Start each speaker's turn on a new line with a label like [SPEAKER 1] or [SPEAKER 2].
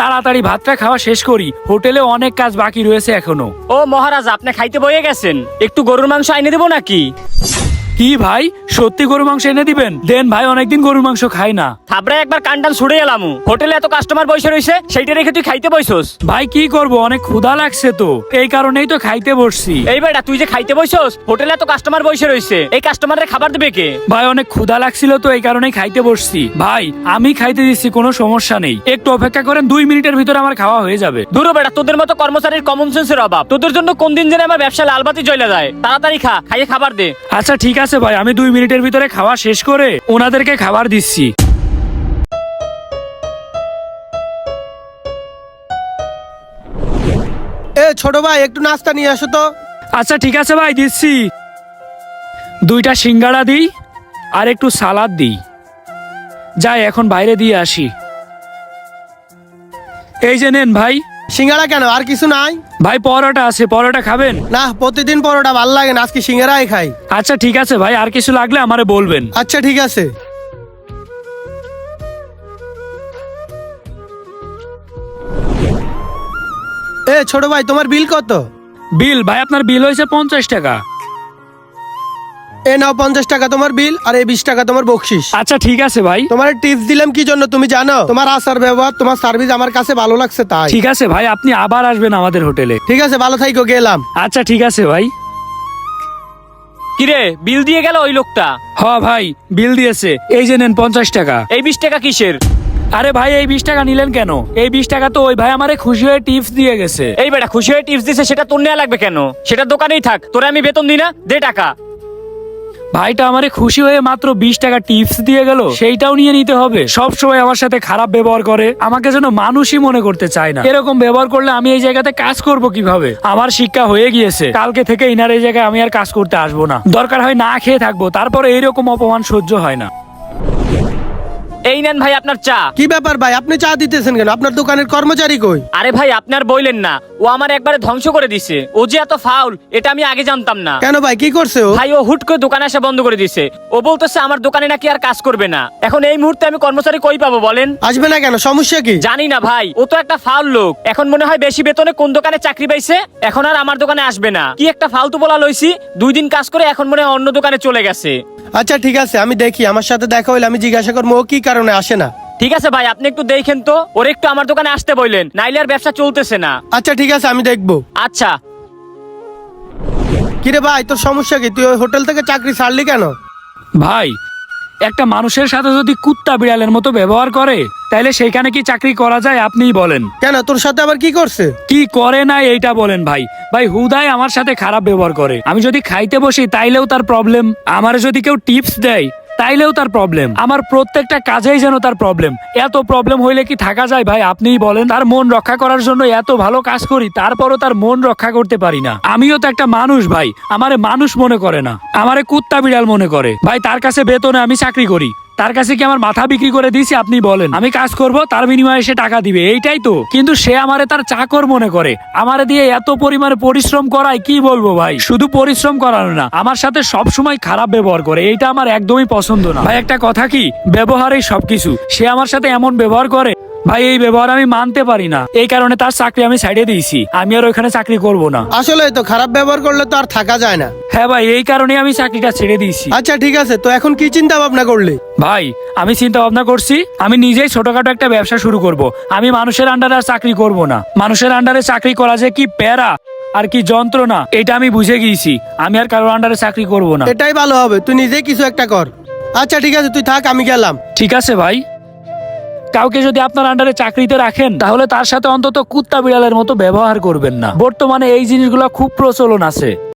[SPEAKER 1] তাড়াতাড়ি ভাতটা খাওয়া শেষ করি, হোটেলে অনেক কাজ বাকি রয়েছে এখনো।
[SPEAKER 2] ও মহারাজ, আপনি খাইতে বয়ে গেছেন, একটু গরুর মাংস আইনে দেবো নাকি?
[SPEAKER 1] কি ভাই, সত্যি গরু মাংস এনে দিবেন? দেন ভাই, অনেকদিন গরুর মাংস খাই না।
[SPEAKER 2] থাবড়ায় একবার কানটান ছুড়ে এলাম। হোটেলে এত কাস্টমার বসে রয়েছে, সেইটা রেখে তুই খাইতে বইছস?
[SPEAKER 1] ভাই কি করব, অনেক ক্ষুধা লাগছে তো, এই কারণেই তো খাইতে বসছি।
[SPEAKER 2] এই বেটা, তুই যে খাইতে বইছস, হোটেলে এত কাস্টমার বসে রয়েছে, এই কাস্টমারের খাবার দেবে কে?
[SPEAKER 1] ভাই অনেক ক্ষুধা লাগছিল তো, এই কারণেই খাইতে বসছি। ভাই আমি খাইতে দিচ্ছি, কোনো সমস্যা নেই, একটু অপেক্ষা করেন, 2 মিনিটের ভিতরে আমার খাওয়া হয়ে যাবে।
[SPEAKER 2] দূর বেটা, তোদের মতো কর্মচারীর কমন সেন্সের অভাব। তোদের জন্য কোন দিন যেন আমার ব্যবসা লালবাতি জ্বলে যায়। তাড়াতাড়ি খা, খাইয়ে খাবার দে।
[SPEAKER 1] আচ্ছা ঠিক আছে ভাই, আমি 2 মিনিটের ভিতরে খাওয়া শেষ করে ওনাদেরকে খাবার দিচ্ছি।
[SPEAKER 3] ছোট ভাই, একটু নাস্তা নিয়ে আসো তো।
[SPEAKER 1] আচ্ছা ঠিক আছে ভাই, দিচ্ছি। 2টা সিঙ্গাড়া দিই আর একটু সালাদ দিই। যাই এখন বাইরে দিয়ে আসি। এই যে নেন ভাই।
[SPEAKER 3] সিঙ্গাড়া কেন, আর কিছু নাই?
[SPEAKER 1] ভাই পরোটা আছে, পরোটা খাবেন?
[SPEAKER 3] না, প্রতিদিন পরোটা ভাল লাগে না, আজকে সিঙ্গাড়াই খাই।
[SPEAKER 1] আচ্ছা ঠিক আছে ভাই, আর কিছু লাগলে আমারে বলবেন।
[SPEAKER 3] আচ্ছা ঠিক আছে। ছোট ভাই, তোমার বিল কত?
[SPEAKER 1] বিল ভাই, আপনার বিল হয়েছে 50 টাকা।
[SPEAKER 3] নাও 50 টাকা তোমার বিল, আর 20 টাকা তোমার বকশিস।
[SPEAKER 1] আচ্ছা ঠিক আছে ভাই।
[SPEAKER 3] তোমার টিপস দিলাম কি জন্য তুমি জানো? তোমার আচার ব্যবহার, তোমার সার্ভিস আমার কাছে ভালো লাগছে তাই।
[SPEAKER 1] ঠিক আছে ভাই, আপনি আবার আসবেন আমাদের হোটেলে।
[SPEAKER 3] ঠিক আছে, ভালো থাইকো, গেলাম।
[SPEAKER 1] আচ্ছা ঠিক আছে ভাই।
[SPEAKER 2] কিরে, বিল দিয়ে গেল ওই লোকটা?
[SPEAKER 1] হ ভাই, বিল দিয়েছে, এই যে নেন 50 টাকা।
[SPEAKER 2] এই 20 টাকা কিসের?
[SPEAKER 1] আরে ভাই, এই 20 টাকা নিলেন কেন? এই 20 টাকা তো ওই ভাই আমারে খুশি হয়ে টিপস দিয়ে গেছে।
[SPEAKER 2] এই বেটা, খুশি হয়ে টিপস দিছে, সেটা তোর নেওয়া লাগবে কেন? সেটা দোকানেই থাক, তোরে আমি বেতন দিই না, দে টাকা।
[SPEAKER 1] ভাইটা আমারে খুশি হয়ে মাত্র 20 টাকা টিপস দিয়ে গেল, সেইটাও নিয়ে নিতে হবে? সব সময় আমার সাথে খারাপ ব্যবহার করে, আমাকে যেন মানুষই মনে করতে চায় না। এরকম ব্যবহার করলে আমি এই জায়গাতে কাজ করব কিভাবে? আমার শিক্ষা হয়ে গিয়েছে, কালকে থেকে ইনার এই জায়গায় আমি আর কাজ করতে আসবো না। দরকার হয় না খেয়ে থাকবো, তারপরে এইরকম অপমান সহ্য হয় না।
[SPEAKER 2] এই নেন ভাই আপনার চা।
[SPEAKER 3] কি ব্যাপার ভাই, আপনি চা দিতেছেন কেন? আপনার দোকানের কর্মচারী কই?
[SPEAKER 2] আরে ভাই, আপনার বইলেন না, ও আমার একবারে ধ্বংস করে দিছে। ও যে এত ফাউল, এটা আমি আগে জানতাম না।
[SPEAKER 3] কেন ভাই, কি করছে ও?
[SPEAKER 2] ভাই, ও হুট করে দোকানে আসা বন্ধ করে দিছে। ও বলতেছে আমার দোকানে নাকি আর কাজ করবে না। এখন এই মুহূর্তে আমি কর্মচারী কই পাবো বলেন?
[SPEAKER 3] আসবে না কেন, সমস্যা কি?
[SPEAKER 2] জানি না ভাই, ও তো একটা ফাউল লোক। এখন মনে হয় বেশি বেতনে কোন দোকানে চাকরি পাইছে, এখন আর আমার দোকানে আসবে না। কি একটা ফালতু বলা লইছি, 2 দিন কাজ করে এখন মনে হয় অন্য দোকানে চলে গেছে।
[SPEAKER 3] আচ্ছা ঠিক আছে, আমি দেখি, আমার সাথে দেখা হইলে আমি জিজ্ঞাসা করবো ও কি কারণে আসে না।
[SPEAKER 2] ঠিক আছে ভাই, আপনি একটু দেখেন তো, ওর একটু আমার দোকানে আসতে বললেন, নাইলে আর ব্যবসা চলতেছে না।
[SPEAKER 3] আচ্ছা ঠিক আছে, আমি দেখবো।
[SPEAKER 2] আচ্ছা।
[SPEAKER 3] কিরে ভাই, তোর সমস্যা কি? তুই ওই হোটেল থেকে চাকরি ছাড়লি কেন?
[SPEAKER 1] ভাই, একটা মানুষের সাথে যদি কুত্তা বিড়ালের মতো ব্যবহার করে, তাইলে সেইখানে কি চাকরি করা যায়? আপনিই বলেন।
[SPEAKER 3] কেন, তোর সাথে আবার কি করছে?
[SPEAKER 1] কি করে না এইটা বলেন ভাই। ভাই হুদাই আমার সাথে খারাপ ব্যবহার করে। আমি যদি খাইতে বসি তাইলেও তার প্রবলেম, আমার যদি কেউ টিপস দেয় তাইলেও তার প্রবলেম, আমার প্রত্যেকটা কাজেই যেন তার প্রবলেম। এত প্রবলেম হইলে কি থাকা যায় ভাই? আপনিই বলেন। তার মন রক্ষা করার জন্য এত ভালো কাজ করি, তারপরও তার মন রক্ষা করতে পারি না। আমিও তো একটা মানুষ ভাই, আমারে মানুষ মনে করে না, আমারে কুত্তা বিড়াল মনে করে। ভাই তার কাছে বেতনে আমি চাকরি করি, তার কাছে কি আমার মাথা বিক্রি করে দিয়েছি? আপনি বলেন। আমি কাজ করব, তার বিনিময়ে সে টাকা দিবে, এইটাই তো। কিন্তু সে আমারে তার চাকর মনে করে, আমারে দিয়ে এত পরিমাণে পরিশ্রম করায়, কি বলবো ভাই। শুধু পরিশ্রম করানো না, আমার সাথে সব সময় খারাপ ব্যবহার করে, এইটা আমার একদমই পছন্দ না ভাই। একটা কথা কি, ব্যবহারেই সবকিছু। সে আমার সাথে এমন ব্যবহার করে ভাই, এই ব্যবহার আমি মানতে পারি না। এই কারণে তার চাকরি আমি সাইডে দিয়েছি, আমি আর ওইখানে চাকরি করব না।
[SPEAKER 3] আসলে তো খারাপ ব্যবহার করলে তো আর থাকা যায় না।
[SPEAKER 1] হ্যাঁ ভাই, এই কারণে আমি চাকরিটা ছেড়ে দিয়েছি।
[SPEAKER 3] আচ্ছা ঠিক আছে, তো এখন কি চিন্তা ভাবনা করলি?
[SPEAKER 1] ভাই আমি চিন্তা ভাবনা করছি, আমি নিজেই ছোটখাটো একটা ব্যবসা শুরু করব। আমি মানুষের আন্ডারে আর চাকরি করব না। মানুষের আন্ডারে চাকরি করা যে কি প্যারা আর কি যন্ত্রণা, এটা আমি বুঝে গিয়েছি। আমি আর কারোর আন্ডারে চাকরি করব না।
[SPEAKER 3] এটাই ভালো হবে, তুই নিজেই কিছু একটা কর। আচ্ছা ঠিক আছে, তুই থাক, আমি গেলাম।
[SPEAKER 1] ঠিক আছে ভাই। কাউকে যদি আপনার আন্ডারে চাকরিতে রাখেন, তাহলে তার সাথে অন্তত কুত্তা বিড়ালের মতো ব্যবহার করবেন না। বর্তমানে এই জিনিসগুলো খুব প্রচলন আছে।